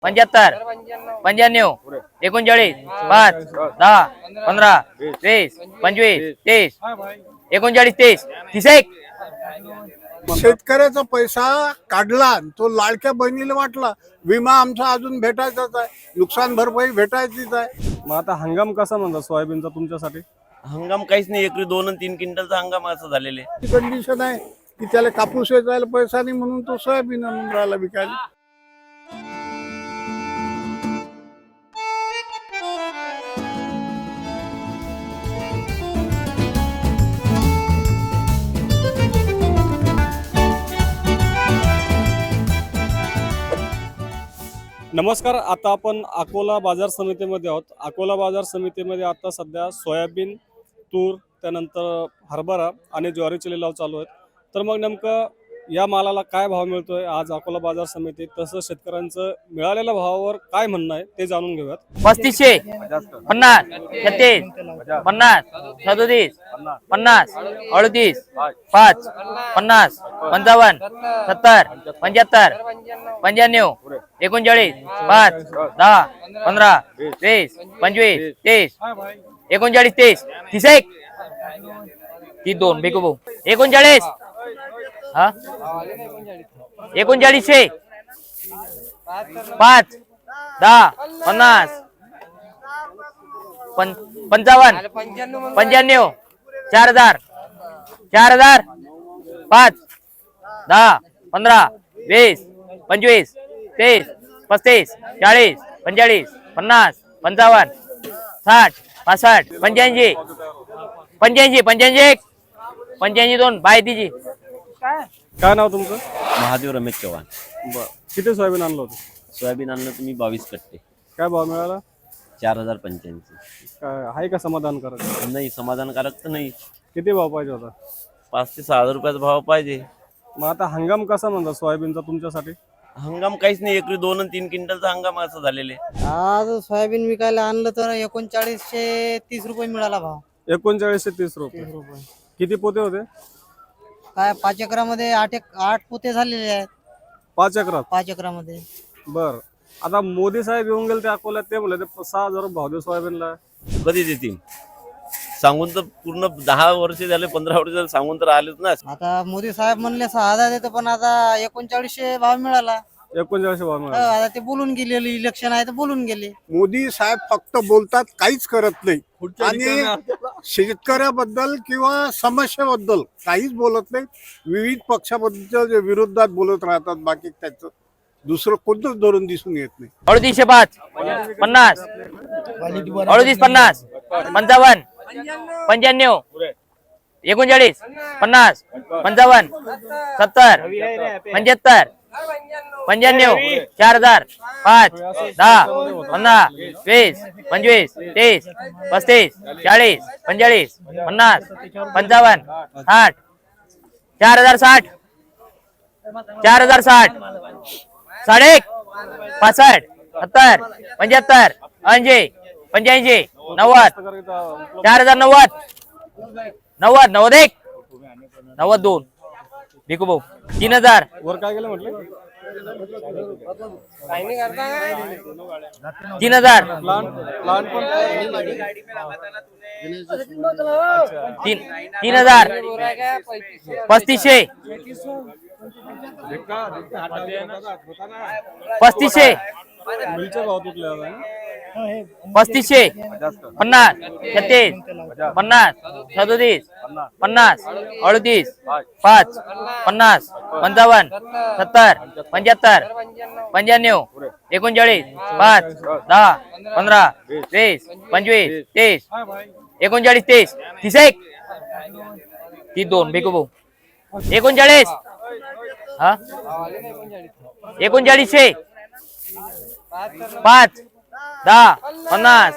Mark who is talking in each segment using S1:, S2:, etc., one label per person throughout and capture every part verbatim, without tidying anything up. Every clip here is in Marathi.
S1: पंच्याहत्तर पंच्याण्णव एकोणचाळीस पाच दहा पंधरा वीस पंचवीस तीस एकोणचाळीस तीस तीस एक.
S2: शेतकऱ्याचा पैसा काढला, तो लाडक्या बहिणीला वाटला. विमा आमचा अजून भेटायचाच आहे, नुकसान भरपाई भेटायचीच आहे.
S3: मग आता हंगाम कसा म्हणता सोयाबीनचा तुमच्यासाठी?
S4: हंगाम काहीच नाही, एकरी दोन आणि तीन क्विंटलचा हंगाम असं झालेले.
S2: कंडिशन आहे की त्याला कापूस वेचायला पैसा नाही म्हणून तो सोयाबीन आणून राहिला विकायला.
S3: नमस्कार, आता आपण अकोला बाजार समितीमध्ये आहोत. अकोला बाजार समितीमध्ये आता सध्या सोयाबीन, तूर, त्यानंतर हरभरा आणि ज्वारीचे लिलाव चालू आहेत. तर मग नेमकं या मालाला काय भाव मिळतोय आज अकोला बाजार समितीत, तसं शेतकऱ्यांचं मिळालेल्या भावावर काय म्हणणं आहे ते जाणून घेऊयात.
S1: पस्तीसशे पन्नास छत्तीस पन्नास सदोतीस पन्नास अडतीस पाच पन्नास पंचावन्न सत्तर पंच्याहत्तर पंच्याण्णव एकोणचाळीस पाच दहा पंधरा वीस पंचवीस तीस एकोणचाळीस तीस तीस एक. ती दोन बेको भाऊ एकोणचाळीस हा एकोणचाळीसशे पाच दहा पन्नास पंचावन्न पंच्याण्णव चार हजार चार हजार पाच दहा पंधरा वीस पंचवीस तीस पस्तीस चाळीस पंचेचाळीस पन्नास पंचावन्न साठ पासष्ट पंच्याऐंशी पंच्याऐंशी पंच्याऐंशी एक पंच्याऐंशी दोन बाय तिची.
S3: काय नाव तुमचं?
S4: महादेव रमेश चव्हाण.
S3: बरं, किती सोयाबीन आणलं होतं?
S4: सोयाबीन आणलं तुम्ही बावीस कट्टे,
S3: काय भाव मिळाला?
S4: चार हजार पंच्याऐंशी.
S3: काय आहे का समाधानकारक?
S4: नाही समाधानकारक तर नाही.
S3: किती भाव पाहिजे होता?
S4: पाच ते सहा हजार रुपयाचा भाव पाहिजे.
S3: मग आता हंगाम कसा म्हणता सोयाबीनचा तुमच्यासाठी?
S4: हंगाम काहीच नाही, एकरी दोन आणि तीन क्विंटलचा हंगाम असं झालेले.
S5: आज सोयाबीन विकायला आणलं तर एकोणचाळीसशे तीस रुपये मिळाला भाव.
S3: एकोणचाळीसशे तीस रुपये.
S5: रुपये
S3: किती पोते होते?
S5: काय पाच एकरामध्ये आठ एक आठ पोते झालेले आहेत.
S3: पाच एकरात?
S5: पाच एकरामध्ये.
S3: बर, आता मोदी साहेब येऊन गेले ते अकोल्यात, ते म्हणले ते सहा हजार भाव दे सोयाबीनला.
S4: कधी देतील सांगून तर पूर्ण दहा वर्ष झाले, पंधरा वर्ष झाले सांगून तर आलेच ना.
S5: आता मोदी साहेब म्हणले सहा हजार देतो, पण आता एकोणचाळीसशे भाव मिळाला.
S3: एकोणचाळीसशे भाव
S5: हो,
S3: मिळाला.
S5: आता ते बोलून गेले, इलेक्शन आहे तर बोलून गेले.
S2: मोदी साहेब फक्त बोलतात, काहीच करत नाही. आणि शेतकऱ्याबद्दल किंवा समस्येबद्दल काहीच बोलत नाही. विविध पक्षाबद्दल विरोधात बोलत राहतात, बाकी त्याचं दुसरं कोणतंच धोरण दिसून येत नाही.
S1: अडतीसशे पाच पन्नास अडतीस पन्नास पंचावन्न पंच्याण्णव एकोणचाळीस पन्नास पंचावन्न सत्तर पंच्याहत्तर पंच्याण्णव चार हजार पाच दहा पंधरा वीस पंचवीस तीस पस्तीस चाळीस पंचेचाळीस पन्नास पंचावन्न साठ चार हजार साठ चार हजार साठ साडे एक पासष्ट सत्तर पंच्याहत्तर ऐंशी पंच्याऐंशी नव्वद चार हजार नव्वद नव्वद नव्वद एक नव्वद दोन भिकू भाऊ तीन हजार
S3: वर काय गेलं म्हटलं?
S1: तीन हजार
S3: प्लांट प्लांट पण
S1: तीन तीन हजार पस्तीसशे पस्तीसशे
S3: मिलचे भाव तुटले आता.
S1: पस्तीसशे पन्नास छत्तीस पन्नास सदोतीस पन्नास अडतीस पाच पन्नास पंचावन्न सत्तर पंच्याहत्तर पंच्याण्णव एकोणचाळीस पाच दहा पंधरा वीस पंचवीस तीस एकोणचाळीस तीस तीस एक. ती दोन बेको भाऊ एकोणचाळीस हा एकोणचाळीसशे पाच दहा पन्नास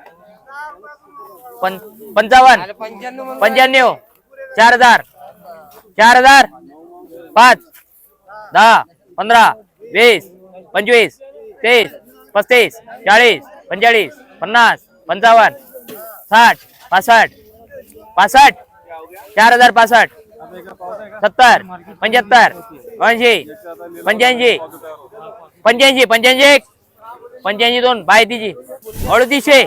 S1: पंचावन्न पंच्याण्णव चार हजार चार हजार पाच दहा पंधरा वीस पंचवीस तीस पस्तीस चाळीस पंचेचाळीस पन्नास पंचावन्न साठ पासष्ट पासष्ट चार हजार पासष्ट सत्तर पंच्याहत्तर ऐंशी पंच्याऐंशी पंच्याऐंशी पंच्याऐंशी एक पंच्याऐंशी दोन बायतीची अडतीसशे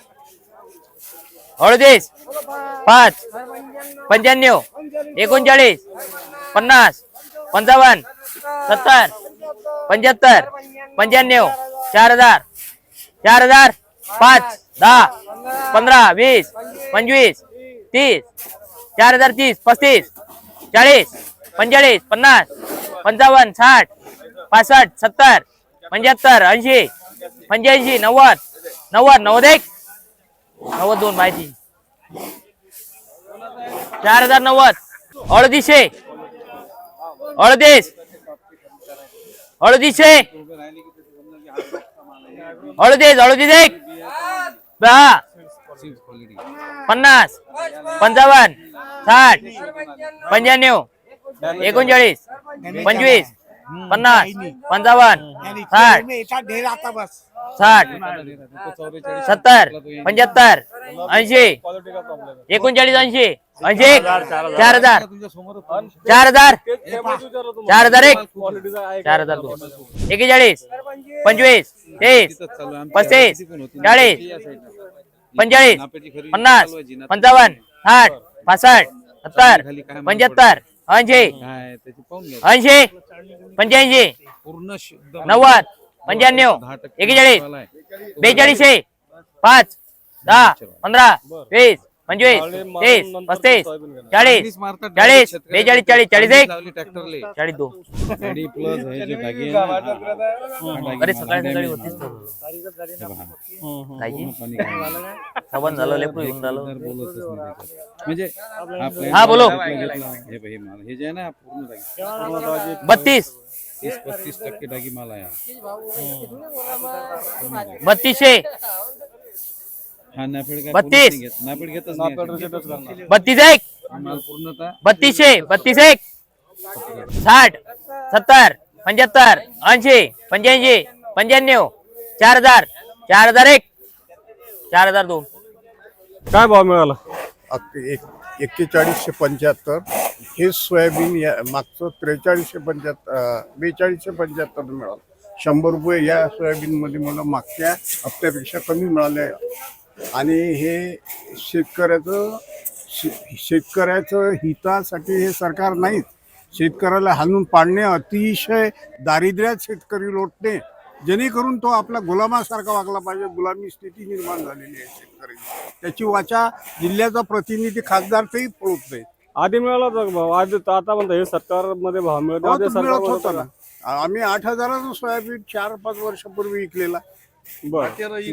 S1: अडतीस पाच पंच्याण्णव एकोणचाळीस पन्नास पंचावन्न सत्तर पंच्याहत्तर पंच्याण्णव चार हजार चार हजार पाच दहा पंधरा वीस पंचवीस तीस चार हजार तीस पस्तीस चाळीस पंचेचाळीस पन्नास पंचावन्न साठ पासष्ट सत्तर पंच्याहत्तर ऐंशी पंच्याऐंशी नव्वद नव्वद नव्वद एक नव्वद दोन माहिती चार हजार नव्वद अडतीसशे अडतीस अडतीसशे अडतीस अडतीस एक दहा पन्नास पंचावन्न साठ पंच्याण्णव एकोणचाळीस पंचवीस पन्नास पंचावन्न साठ साठ सत्तर पंच्याहत्तर ऐंशी एकोणचाळीस ऐंशी ऐंशी एक चार हजार चार हजार चार हजार एक चार हजार दोन एकेचाळीस पंचवीस तेवीस पस्तीस चाळीस पंचेचाळीस पन्नास पंचावन्न साठ पासष्ट सत्तर पंच्याहत्तर ऐंशी ऐंशी पंच्याऐंशी नव्वद पंच्याण्णव एकेचाळीस बेचाळीसशे पाच दहा पंधरा वीस पंचवीस तीस पस्तीस चाळीस चाळीस बेचाळीस चाळीस चाळीस एक चाळीस दोन अरे सकाळी सकाळी होतीच साबण झालं लेपू घेऊन झालं
S6: म्हणजे
S1: हा बोलो
S6: हे जे आहे ना पूर्ण
S1: बत्तीस
S6: तीस पस्तीस टक्के डागी माल आहे
S1: बत्तीसशे
S6: हा नाफेड काय
S1: बत्तीस.
S6: घेत नाफेड घेतच नाही
S1: बत्तीस एक
S6: माल पूर्णतः
S1: बत्तीसशे बत्तीस एक साठ सत्तर पंच्याहत्तर ऐंशी पंच्याऐंशी पंच्याण्णव चार हजार चार हजार एक चार हजार दोन
S3: काय भाव मिळाला
S2: अक- एक एक्केचाळीसशे पंच्याहत्तर हे सोयाबीन या मागचं त्रेचाळीसशे पंच्याहत्तर बेचाळीसशे पंच्याहत्तर मिळालं. शंभर रुपये या सोयाबीनमध्ये मला मागच्या हप्त्यापेक्षा कमी मिळाले आणि हे शेतकऱ्याचं शे- शेतकऱ्याचं हितासाठी हे सरकार नाहीच. शेतकऱ्याला हाणून पाडणे, अतिशय दारिद्र्यात शेतकरी लोटणे, जेणेकरून तो आपला गुलामासारखा वागला पाहिजे. गुलामी स्थिती निर्माण झालेली आहे शेतकऱ्याची. त्याची वाचा जिल्ह्याचा प्रतिनिधी खासदार तेही पळत नाही.
S3: आधी मिळाला होता का भाव आधी तर आता म्हणता हे सरकारमध्ये भाव मिळत
S2: हो,
S3: आधी
S2: तो मिळत होता
S3: सरकार
S2: ना. आम्ही आठ हजाराचं सोयाबीन चार पाच वर्षापूर्वी विकलेला.
S3: बर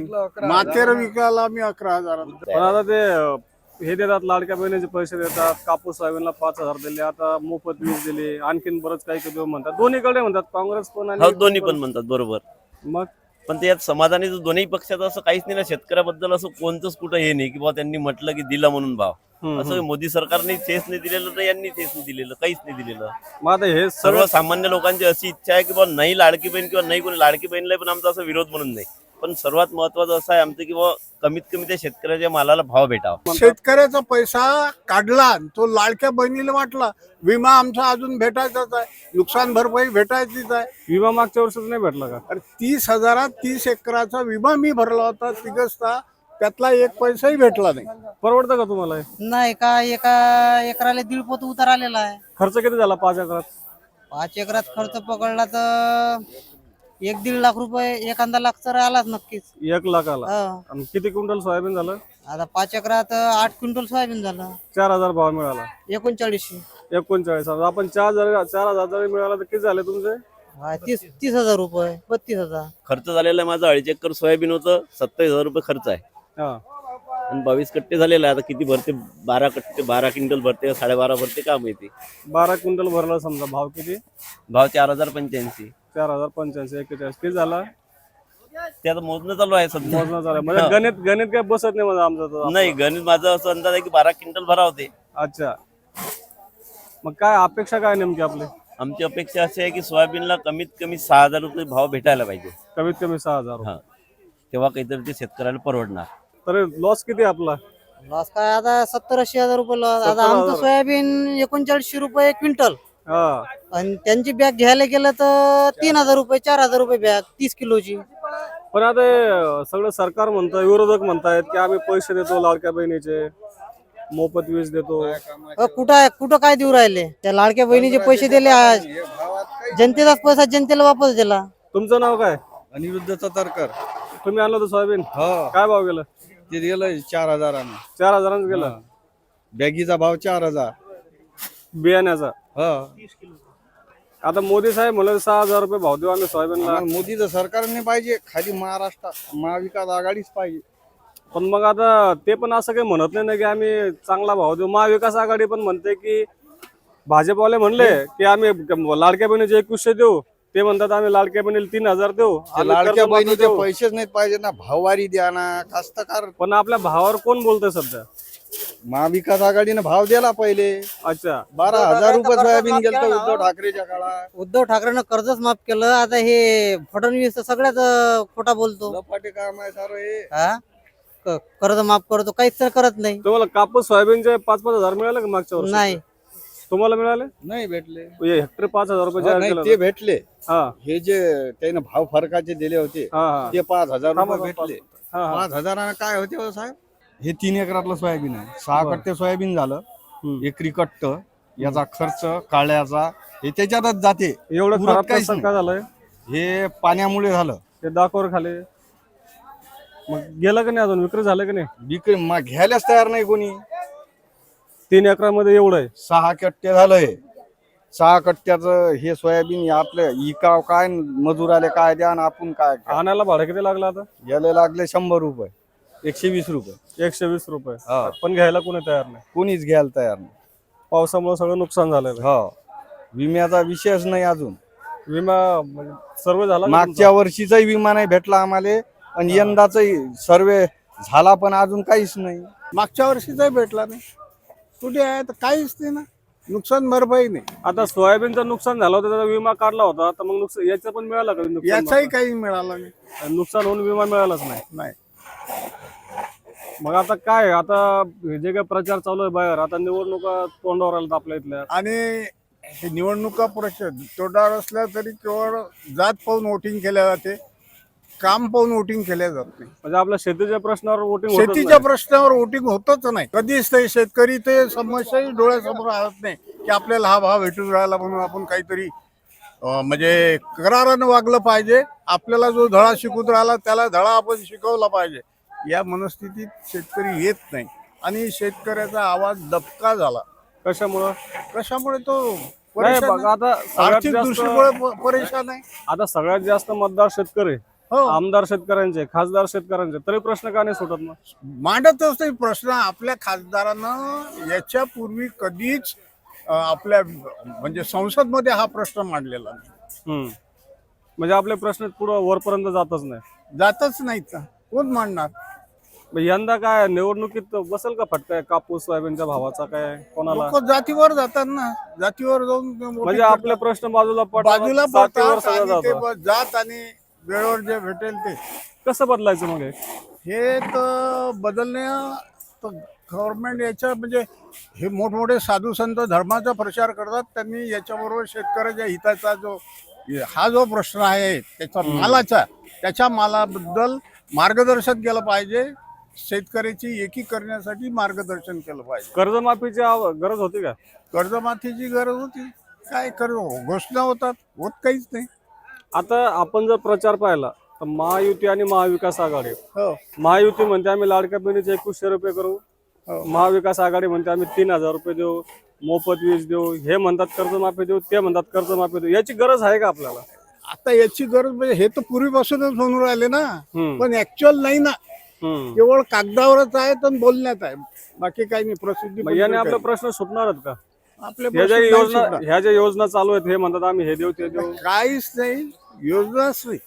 S2: मातेर विकायला आम्ही अकरा हजारात.
S3: पण आता ते अं, हे देतात लाडक्या बहिणीचे पैसे देतात, कापूस सोयाबीनला पाच हजार दिले, आता मोफत वीज दिले, आणखीन बरंच काही काही म्हणतात. दोन्हीकडे म्हणतात काँग्रेस पण
S4: हो
S3: आणि
S4: दोन्ही पण म्हणतात बरोबर.
S3: मग
S4: पण ते यात समाधानी जो दोन्ही पक्षाचं असं काहीच नाही ना. शेतकऱ्याबद्दल असं कोणतंच कुठं हे नाही की बाबा त्यांनी म्हटलं की दिला म्हणून भाव. असं मोदी सरकारने तेच नाही दिलेलं तर यांनी तेच नाही दिलेलं, काहीच नाही दिलेलं.
S3: मग आता हे सर्व
S4: सर्वसामान्य लोकांची अशी इच्छा आहे की बाबा नाही लाडकी बहीण किंवा नाही कोणी लाडकी बहीणला पण आमचा असा विरोध म्हणून नाही, पण सर्वात महत्वाचं असं आहे आमचं की बाबा कमीत कमी त्या शेतकऱ्याच्या मालाला भाव भेटावा.
S2: शेतकऱ्याचा पैसा काढला, तो लाडक्या बहिणीला वाटला. विमा आमचा अजून भेटायचाच आहे, नुकसान भरपाई भेटायचीच आहे.
S3: विमा मागच्या वर्षीच नाही भेटला का?
S2: अरे तीस हजारात तीस एकराचा विमा मी भरला होता तिघसचा, त्यातला एक पैसाही भेटला नाही.
S3: परवडतं का तुम्हाला हे?
S5: नाही का एका एकराला दीड पोत उतार आलेला आहे.
S3: खर्च किती झाला पाच एकरात?
S5: पाच एकरात खर्च पकडला तर एक दीड लाख रुपये, एखादा लाख तर आलाच नक्कीच.
S3: एक लाख आला.
S5: हो.
S3: आणि किती क्विंटल सोयाबीन झालं?
S5: आता पाच एकरात आठ क्विंटल सोयाबीन झालं,
S3: चार हजार भाव मिळाला.
S5: एकोणचाळीसशे
S3: एकोणचाळीस हजार. आपण चार हजार चार हजार जरी मिळाला तर किती झाले तुमचे?
S5: हा, तीस तीस हजार रुपये बत्तीस हजार.
S4: खर्च झालेला आहे माझं अडीच एकर सोयाबीन होतं, सत्तावीस हजार रुपये खर्च आहे
S3: हा.
S4: आणि बावीस कट्टे झालेला आहे. आता किती भरते? बारा कट्टे बारा क्विंटल भरते साडेबारा भरते का माहिती.
S3: बारा क्विंटल भरला समजा, भाव किती?
S4: भाव चार हजार पंच्याऐंशी.
S3: चार हजार पंच्याऐंशी एक्केचाळीस किती झाला?
S4: ते आता मोजणं चालू आहे सध्या.
S3: मोजणं झालं म्हणजे गणित गणित काय बसत नाही माझं आमचं तर.
S4: नाही गणित माझं असं अंदाज आहे की बारा क्विंटल भरा होते.
S3: अच्छा, मग काय अपेक्षा काय नेमकी आपली?
S4: आमची अपेक्षा अशी आहे की सोयाबीनला कमीत कमी सहा हजार रुपये भाव भेटायला पाहिजे.
S3: कमीत कमी सहा हजार रुपये.
S4: हा, तेव्हा काहीतरी ते शेतकऱ्याला परवडणार.
S3: तर लॉस किती आहे आपला?
S5: लॉस काय आता सत्तर ऐंशी हजार रुपये लॉस. आता
S3: सत्तर
S5: आमचं
S3: हजार.
S5: सोयाबीन एकोणचाळीसशे रुपये क्विंटल
S3: हा.
S5: आणि त्यांची बॅग घ्यायला गेलं तर तीन हजार रुपये चार हजार रुपये बॅग तीस किलोची.
S3: पण आता हे सगळं सरकार म्हणतं, विरोधक म्हणतायत की आम्ही पैसे देतो लाडक्या बहिणीचे, मोफत वीज देतो.
S5: अ, कुठं कुठं काय देऊ राहिले? त्या लाडक्या बहिणीचे पैसे दिले आज, जनतेचाच पैसा जनतेला वापस दिला.
S3: तुमचं नाव काय?
S6: अनिरुद्ध सतरकर.
S3: तुम्ही आणलं होतं सोयाबीन,
S6: हो
S3: काय भाव गेलं?
S6: ते गेलं चार हजारानं.
S3: चार हजारांच गेलं.
S6: बॅगीचा भाव चार हजार.
S3: बियाण्याचा.
S6: हो
S3: आता मोदी साहेब म्हणलं सहा हजार रुपये भाव देऊ आम्ही सोयाबीनला.
S6: आम्हाला मोदीचं सरकारने पाहिजे, खाली महाराष्ट्र महाविकास आघाडीच पाहिजे.
S3: पण मग आता ते पण असं काही म्हणत नाही ना की आम्ही चांगला भाव देऊ. महाविकास आघाडी पण म्हणते की भाजपवाले म्हणले की आम्ही लाडक्या बहिणीचे एकवीसशे देऊ, ते म्हणतात आम्ही लाडक्या बहिणीला तीन हजार देऊ.
S6: ते
S3: आम्ही
S6: लाडक्या
S3: कर्जमाफी
S6: बहिणीचे
S3: देऊ.
S6: पैसेच नाही पाहिजे ना, भाववारी द्या ना. कास्तकार
S3: पण आपल्या भावावर कोण बोलतंय सध्या?
S6: महाविकास आघाडीने भाव दिला पहिले.
S3: अच्छा,
S6: बारा हजार रुपये सोयाबीन गेलं उद्धव ठाकरेच्या काळात.
S5: उद्धव ठाकरेनं कर्जच माफ केलं. आता हे फडणवीस तर सगळ्यात अ, खोटा बोलतो.
S6: लपाटे काम आहे सारं हे.
S5: हा क- कर्ज माफ करतो, काहीच तर करत नाही.
S3: तुम्हाला कापूस सोयाबीनचे पाच पाच हजार मिळाले का मागच्या वर्षी?
S5: नाही,
S3: तुम्हाला मिळाले?
S6: नाही भेटले.
S3: हे हेक्टर पाच हजार रुपये
S6: हो,
S3: जाहीर
S6: नाही
S3: केलं
S6: ते
S3: होतं.
S6: भेटले.
S3: हा
S6: हे जे त्याने भाव फरकाचे दिले होते
S3: हा हा
S6: ते पाच हजार
S3: थांबा,
S6: रुपये
S3: थांबा.
S6: भेटले.
S3: हा, हा.
S6: पाच हजारानं काय होते हो साहेब? हे तीन एकरातलं सोयाबीन आहे. सहा कट्टे सोयाबीन झालं.
S3: हम्म.
S6: एकरी कट्ट याचा खर्च काळ्याचा हे त्याच्यातच जाते.
S3: एवढं
S6: उरत
S3: खराब
S6: काहीच
S3: कसं
S6: नाही.
S3: काय झालंय?
S6: हे पाण्यामुळे झालं.
S3: ते दाखवर खाली मग गेलं का नाही, अजून विक्री झालं का नाही?
S6: विक्री मा- घ्यायलाच तयार नाही कोणी.
S3: तीन एकरामध्ये एवढं आहे.
S6: सहा कट्टे झालं हे. सहा कट्ट्याचं हे सोयाबीन हे आपलं इकाव काय मजूर आले काय द्या आणि आपण काय काय.
S3: आणायला भाडं किती लागलं आता?
S6: याला लागले शंभर रुपये, एकशे वीस रुपये.
S3: एकशे वीस रुपये.
S6: हा.
S3: पण घ्यायला कोणी तयार नाही.
S6: कोणीच घ्यायला तयार नाही.
S3: पावसामुळे सगळं नुकसान झालेलं आहे.
S6: हो विम्याचा विषयच नाही अजून.
S3: विमा म्हणजे सर्व झाला का
S6: मागच्या वर्षीचाही विमा नाही भेटला आम्हाला आणि यंदाचाही सर्वे झाला पण अजून काहीच नाही.
S2: मागच्या वर्षीचाही भेटला नाही. कुठे आहे तर काहीच नाही ना, नुकसान भरपाई नाही.
S3: तुमचा? आता सोयाबीनचं नुकसान झालं होतं, त्याचा विमा काढला होता, तर मग नुकसान याचा पण मिळाला का नुकसान?
S2: याचाही काही मिळाला नाही.
S3: आणि नुकसान होऊन विमा मिळालाच नाही.
S2: नाही.
S3: मग आता काय, आता हे जे काय प्रचार चालू आहे बाहेर, आता निवडणुका तोंडावर आल्या आपल्या इथल्या.
S2: आणि हे निवडणुका परिषद तोडावर असल्या तरी केवळ जात पाहून वोटिंग केल्या जाते, काम पाहून वोटिंग केल्या जात नाही.
S3: म्हणजे आपल्या शेतीच्या प्रश्नावर वोटिंग
S2: शेतीच्या प्रश्नावर वोटिंग होतच नाही कधीच. ते शेतकरी ते समस्याही डोळ्यासमोर आणत नाही की आपल्याला हा भाव भेटून राहिला म्हणून आपण काहीतरी अं, म्हणजे करारानं वागलं पाहिजे. आपल्याला जो धडा शिकून राहिला त्याला धडा आपण शिकवला पाहिजे. या मनस्थितीत शेतकरी येत नाही आणि शेतकऱ्याचा आवाज दबका झाला.
S3: कशामुळं?
S2: कशामुळे तो
S3: नाही
S2: परेशान
S3: बघा,
S2: आहे.
S3: आता सगळ्यात
S2: आर्थिक
S3: जास्त
S2: दृष्टीमुळे प- परेशान आहे.
S3: आता सगळ्यात जास्त मतदार शेतकरी,
S2: हो,
S3: आमदार शेतकऱ्यांचे, खासदार शेतकऱ्यांचे, तरी प्रश्न का नाही सुटत मग?
S2: मांडतच नाही प्रश्न. आपल्या खासदारानं याच्या पूर्वी कधीच अं, आपल्या म्हणजे संसद मध्ये हा प्रश्न मांडलेला नाही.
S3: हम्म. म्हणजे आपले प्रश्न पुढं वरपर्यंत जातच नाही.
S2: जातच नाहीत ना, कोण मांडणार?
S3: मग यंदा काय निवडणुकीत बसेल का फटका कापूस सोयाबीनच्या भावाचा? काय कोणाला?
S2: लोक जातीवर जातात ना, जातीवर जाऊन
S3: म्हणजे आपले प्रश्न बाजूला पडतात,
S2: बाजूला
S3: जातीवर
S2: पडतात
S3: सगळं
S2: आणि ते
S3: जातं.
S2: ब- जात आणि वेळेवर जे भेटेल ते
S3: कसं बदलायचं मग हे?
S2: हे तर बदलण्या गव्हर्नमेंट याच्या म्हणजे हे मोठमोठे साधू संत धर्माचा प्रचार करतात. त्यांनी याच्याबरोबर शेतकऱ्याच्या हिताचा जो हा जो प्रश्न आहे त्याचा मालाचा, त्याच्या मालाबद्दल मार्गदर्शन केलं पाहिजे. शेतकऱ्याची एकी करण्यासाठी मार्गदर्शन केलं पाहिजे.
S3: कर्जमाफीची आव- गरज होती का?
S2: कर्जमाफीची गरज होती. काय कर्ज घोषणा होतात, होत काहीच नाही.
S3: आता आपण जर प्रचार पाहिला तर महायुती आणि महाविकास आघाडी,
S2: हो
S3: महायुती म्हणते आम्ही लाडक्या बहिणीचे एकवीसशे रुपये करू,
S2: हो.
S3: महाविकास आघाडी म्हणते आम्ही तीन हजार रुपये देऊ, मोफत वीज देऊ, हे म्हणतात कर्जमाफी देऊ, ते म्हणतात कर्जमाफी देऊ. याची गरज आहे का आपल्याला?
S2: आता याची गरज म्हणजे हे तर पूर्वीपासूनच म्हणून राहिले ना,
S3: हम्म.
S2: पण ऍक्च्युअल नाही ना.
S3: हम्म.
S2: केवळ कागदावरच आहे तर बोलण्यात आहे, बाकी काही नाही. प्रसिद्धी
S3: मग याने आपले प्रश्न सुटणारच का?
S2: आपले
S3: ह्या ज्या
S2: प्रश्न नाही
S3: योजना
S2: सुटणार.
S3: ह्या ज्या योजना चालू आहेत हे म्हणतात आम्ही हे देऊ ते देऊ.
S2: काहीच नाही, योजनाच नाही.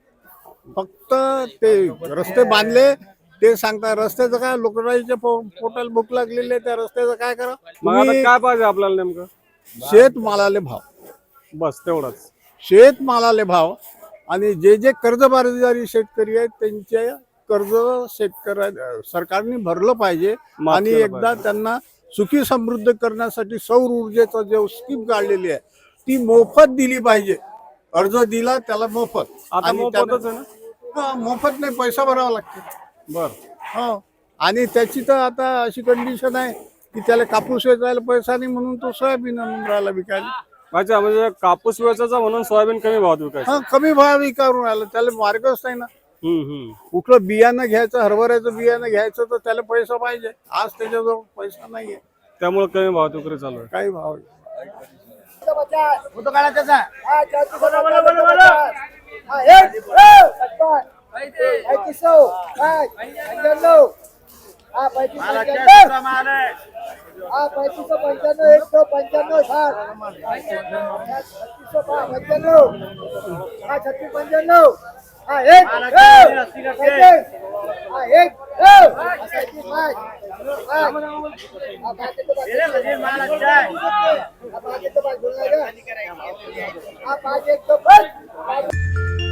S2: फक्त ते रस्ते बांधले ते सांगतात. रस्त्याचं काय, लोकराईच्या पोटाला भूक लागलेली आहे, त्या रस्त्याचं काय करा?
S3: मग आता
S2: तुम्ही
S3: काय पाहिजे आपल्याला नेमकं?
S2: शेतमालाले भाव,
S3: बस तेवढंच.
S2: शेतमालाले भाव आणि जे जे कर्जबाजारी शेतकरी आहेत त्यांचे कर्ज शेतकऱ्या सरकारने भरलं पाहिजे.
S3: माफ
S2: आणि
S3: केलं
S2: एकदा
S3: पाहिजे.
S2: त्यांना सुखी समृद्ध करण्यासाठी सौर ऊर्जेचा जो स्कीम काढलेली आहे ती मोफत दिली पाहिजे. अर्ज दिला त्याला मोफत.
S3: आता
S2: आणि
S3: मोफतच
S2: त्यानं-
S3: आहे ना?
S2: प- मोफत नाही, पैसा भरावा लागते.
S3: बर
S2: हो. आणि त्याची तर आता अशी कंडिशन आहे की त्याला कापूस वेचायला पैसा नाही म्हणून तो सोयाबीन आणून राहिला विकायला.
S3: अच्छा, म्हणजे कापूस वेचायचा म्हणून सोयाबीन कमी भावात विकायचं.
S2: हा, कमी भाव विकारून राहिला, त्याला मार्गच नाही ना.
S3: हम्म हम्म
S2: कुठलं बियाणं घ्यायचं, हरभऱ्याचं बियाणं घ्यायचं तर त्याला पैसा पाहिजे. आज त्याच्याजवळ पैसा नाहीये,
S3: त्यामुळे कमी भावात विक्री चालू आहे.
S2: काही भाव
S7: हा